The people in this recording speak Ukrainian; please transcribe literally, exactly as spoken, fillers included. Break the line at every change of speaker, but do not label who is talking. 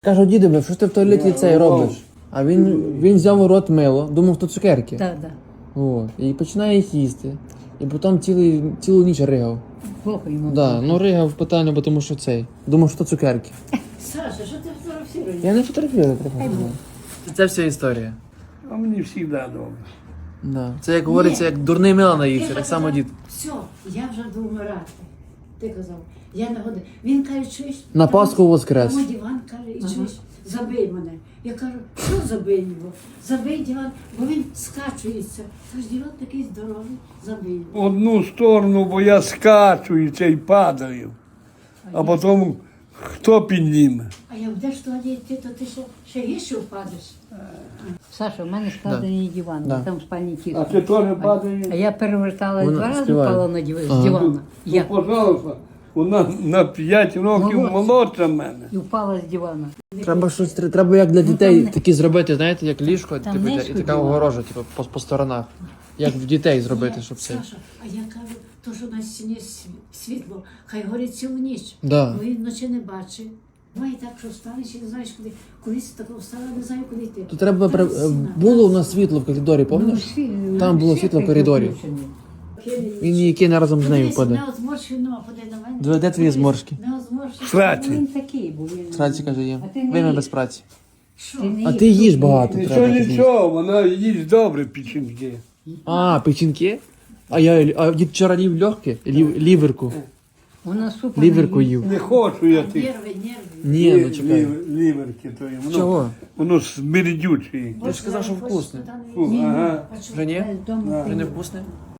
Кажу, дідове, що ж ти в туалеті цей робиш? А він, він взяв у рот мило, думав, то цукерки.
Так, так.
О, і починає їх їсти. І потім цілий, цілу ніч ригав.
Плохо йому.
Да, ну ригав питання, бо тому що цей. Думав, що то цукерки.
Саша, що ти фотографуєш?
Я не фотографую, трохи. Це вся історія.
А мені завжди добре.
Да. Це як говориться, як дурний мило наївся, так само дід.
Все, я вже буду вмирати. Ти казав, я не годин. Він каже, чуєш?
На
там-
Пасху воскрес.
Тому диван каже, і чуєш, забий мене. Я кажу, що забий його? Забий диван, бо він скачується. Тож диван такий здоровий, забий його.
Одну сторону, бо я скачу і цей падаю. А потім хто підніме?
А як будеш туди йти, то ти ще, ще гірше впадеш. Саша, в мене складений диван,
Да.
там спальні ті.
А ти теж падаєш?
А я переверталась
Вона
два рази,
співає.
впала на див-
Ага.
з дивана.
Ну,
Я
пожалуйста, вона на п'ять років
Молодці.
молодша мене.
і впала з дивана.
Треба щось, тр- треба як для дітей
там не-
такі зробити, знаєте, як ліжко,
Там
типу,
не
і така
сходила.
огорожа, типу, по, по сторонах. Як в дітей зробити,
Ні,
щоб це.
Саша, а я кажу, то, що на стіні сві- світло, хай горить цілу ніч.
Да.
Бо він вночі не бачить. Буває так, що встанеш і не знаєш куди. Колись такого встала, не знаю, куди йти.
То треба
Там
при-
стіна.
було у нас світло в коридорі, пам'ятаєш? Там було світло в коридорі. Він її кине разом з нею впаде.
Не озморщено, подай на мене.
Де- де твої зморшки?
Не озморщено.
Сраці.
Він такий був. Він...
Праці каже їм.
А ти не
Вийме
їж.
без праці.
Що?
А ти їж багато
Нічого,
треба. тобі.
нічого, вона їсть добре печінки.
А, печінки? А я а дід вчора їв легке, лів, ліверку.
Вона супер.
Ліверку їв.
Не хочу я тих
Нерви, нерви.
Ні, ну
лі-
чекай.
лів- ліверки тої. Воно,
Чого?
воно смердюче.
Ти ж казав, що вкусне.
Фу, ага.
Вже ні?
Дома
Вже не вкусне?